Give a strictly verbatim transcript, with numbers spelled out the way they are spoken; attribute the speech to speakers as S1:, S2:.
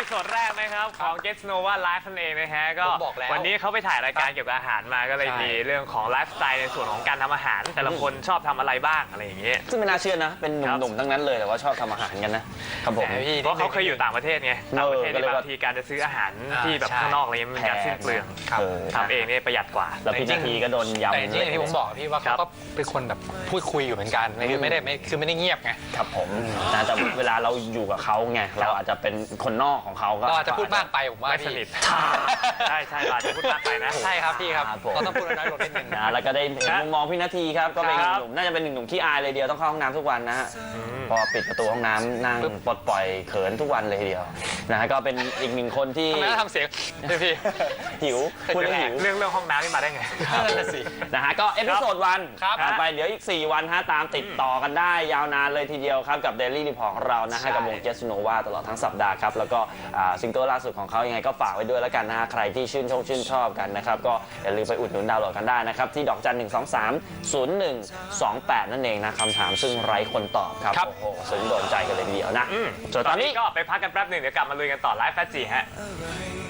S1: สดแรกนะครับของ Get Nova Live นั่นเองนะฮะก็วันนี้เขาไปถ่ายรายการเกี่ยวกับอาหารมาก็เลยมีเรื่องของไลฟ์สไตล์ในส่วนของการทำอาหารแต่ละคนชอบทำอะไรบ้างอะไรอย่างเงี้ย
S2: ซึ่งไม่น่าเชื่อนะเป็นหนุ่มๆทั้งนั้นเลยแต่ว่าชอบทำอาหารกันนะครับผม
S1: เพราะเขาเคยอยู่ต่างประเทศไงต่างประเทศบางทีการจะซื้ออาหาที่แบบข้างนอกอะไรเงี้ยมันการสิ้นเปลืองทำเองเนี่ยประหยัดกว่า
S2: แล้วพี่นาทีก็โดนยำ
S3: แต่จริงๆที่ผมบอกพี่ว่าเขาก็เป็นคนแบบพูดคุยอยู่เหมือนกันคือไม่ได้ไม่คือไม่ได้เงียบไง
S2: ครับผมนะแต่เวลาเราอยู่กับเขาไงเราอาจจะเป็นคนนอกของเขาก็
S3: อาจจะพูดมากไปผมว่า
S1: ไม่สนิทใช่ใช่อาจจะพูดมากไปนะ
S3: ใช่ครับพี่ครับเราต้องพูดน้อยลงนิดนึง
S2: นะแล้วก็ได้เห็นมุมมองพี่นาทีครับก็เป็นหนุ่มน่าจะเป็นหนึ่งหนุ่มขี้อายเลยเดียวต้องเข้าห้องน้ำทุกวันนะฮะพอปิดประตูห้องน้ำนั่งปลดปล่อยเขินทุกวันเลยทีเดียวนะฮะก็เป็นอีกหนึ่งคนที่
S3: ทำไมต้องทำเสียงพี่
S2: หิวพูดแล้วหิว
S1: เรื่องเรื่องห้องน้ำนี่มาได้ไง
S3: นั่นสิ
S2: นะฮะก็เอพิโซดวัน
S3: ครับ
S2: ไปเดี๋ยวอีกสี่วันฮะตามติดต่อกันได้ยาวนานเลยทีเดียวครับกับ Daily Report ของเรานะฮะกับวง Get Nova ตลอดทั้งสัปดาห์ครับแล้วก็ซิงเกิลล่าสุดของเขายังไงก็ฝากไว้ด้วยแล้วกันนะฮะใครที่ชื่นชอบชื่นชอบกันนะครับก็อย่าลืมไปอุดหนุนดาวน์โหลดกันได้นะครับที่ดอกจันหนึ่งสองสามศูนย์หนึ่งสองแปดนั่นเองนะคำถามซึ่งไร้คนตอบครับโอ้โหซึ้งโดนใจกันเลยทีเดียวนะ
S1: ส่วนตอนนี้ก็ไปพักกันแป๊บหนึ่งเดี๋ยวกลับมาลุยกันต่อไลฟ์แฟชั่นจีฮะ